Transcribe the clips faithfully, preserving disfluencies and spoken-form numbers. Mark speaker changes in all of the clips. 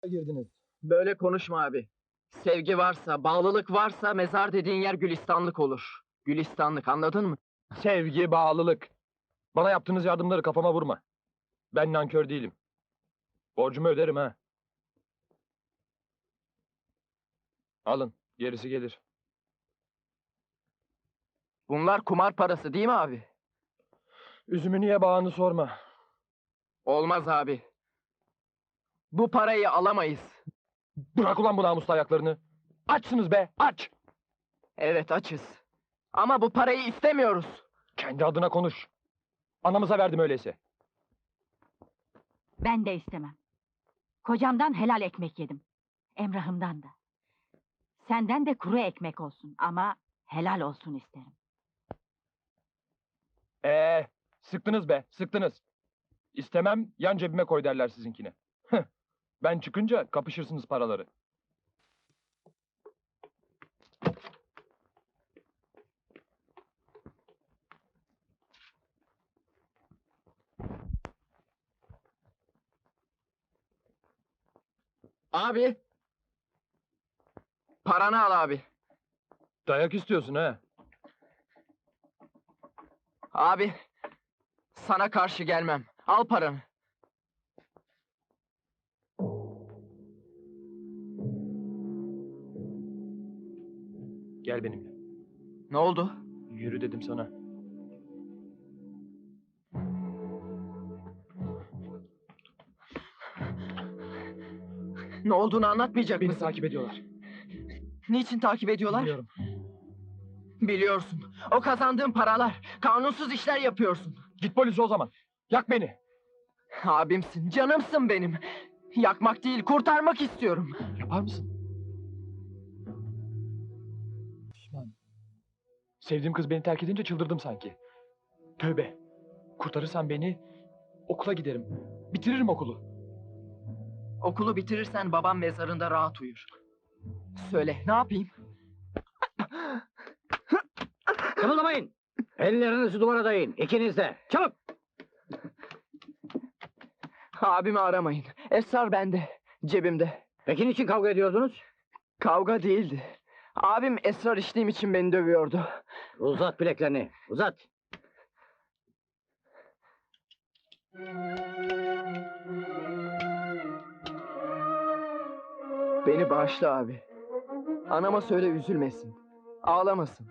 Speaker 1: girdiniz.
Speaker 2: Böyle konuşma abi. Sevgi varsa, bağlılık varsa mezar dediğin yer gülistanlık olur. Gülistanlık, anladın mı?
Speaker 1: Sevgi, bağlılık. Bana yaptığınız yardımları kafama vurma. Ben nankör değilim. Borcumu öderim ha. Alın, gerisi gelir.
Speaker 2: Bunlar kumar parası değil mi abi?
Speaker 1: Üzümü niye bağını sorma.
Speaker 2: Olmaz abi. Bu parayı alamayız.
Speaker 1: Bırak ulan bu namuslu ayaklarını. Açsınız be, aç!
Speaker 2: Evet, açız. Ama bu parayı istemiyoruz.
Speaker 1: Kendi adına konuş. Anamıza verdim öyleyse.
Speaker 3: Ben de istemem. Kocamdan helal ekmek yedim. Emrah'ımdan da. Senden de kuru ekmek olsun ama helal olsun isterim.
Speaker 1: Ee, sıktınız be, sıktınız. İstemem, yan cebime koy derler sizinkine. Heh, ben çıkınca kapışırsınız paraları.
Speaker 2: Abi. Paranı al abi.
Speaker 1: Dayak istiyorsun ha?
Speaker 2: Abi. Sana karşı gelmem. Al paranı.
Speaker 1: Gel benimle.
Speaker 2: Ne oldu?
Speaker 1: Yürü dedim sana.
Speaker 2: Ne olduğunu anlatmayacak
Speaker 1: Beni
Speaker 2: mısın?
Speaker 1: takip ediyorlar.
Speaker 2: Niçin takip ediyorlar?
Speaker 1: Biliyorum.
Speaker 2: Biliyorsun. O kazandığın paralar. Kanunsuz işler yapıyorsun.
Speaker 1: Git polise o zaman. Yak beni.
Speaker 2: Abimsin, canımsın benim. Yakmak değil, kurtarmak istiyorum.
Speaker 1: Yapar mısın? Pişman. Sevdiğim kız beni terk edince çıldırdım sanki. Tövbe. Kurtarırsan beni, okula giderim. Bitiririm okulu.
Speaker 2: Okulu bitirirsen babam mezarında rahat uyur. Söyle, ne yapayım?
Speaker 4: Kımıldamayın. Ellerinizi duvara dayayın. İkiniz de. Çabuk.
Speaker 2: Abimi aramayın. Esrar bende, cebimde.
Speaker 4: Peki niçin kavga ediyordunuz?
Speaker 2: Kavga değildi. Abim esrar içtiğim için beni dövüyordu.
Speaker 4: Uzat bileklerini. Uzat.
Speaker 2: Beni bağışla abi. Anama söyle üzülmesin. Ağlamasın.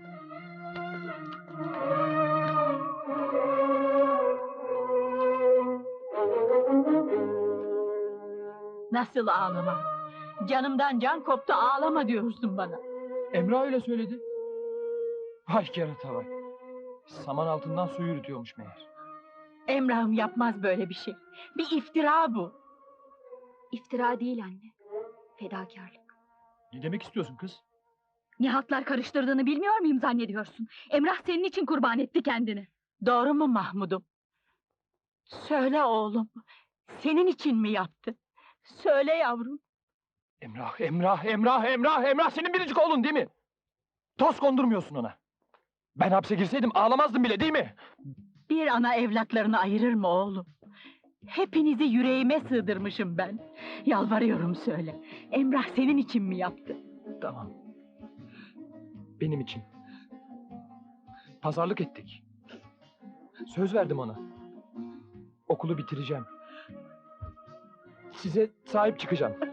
Speaker 3: Nasıl ağlamam? Canımdan can koptu ağlama diyorsun bana.
Speaker 1: Emrah öyle söyledi. Vay kerata vay. Saman altından su yürütüyormuş meğer.
Speaker 3: Emrah'ım yapmaz böyle bir şey. Bir iftira bu.
Speaker 5: İftira değil anne. Fedakarlık.
Speaker 1: Ne demek istiyorsun kız?
Speaker 5: Ne haltlar karıştırdığını bilmiyor muyum zannediyorsun? Emrah senin için kurban etti kendini.
Speaker 3: Doğru mu Mahmud'um? Söyle oğlum. Senin için mi yaptı? Söyle yavrum.
Speaker 1: Emrah, Emrah, Emrah, Emrah, Emrah senin biricik oğlun değil mi? Toz kondurmuyorsun ona. Ben hapse girseydim ağlamazdım bile değil mi?
Speaker 3: Bir ana evlatlarını ayırır mı oğlum? Hepinizi yüreğime sığdırmışım ben. Yalvarıyorum söyle. Emrah senin için mi yaptı?
Speaker 1: Tamam. Benim için. Pazarlık ettik. Söz verdim ona. Okulu bitireceğim. Size sahip çıkacağım.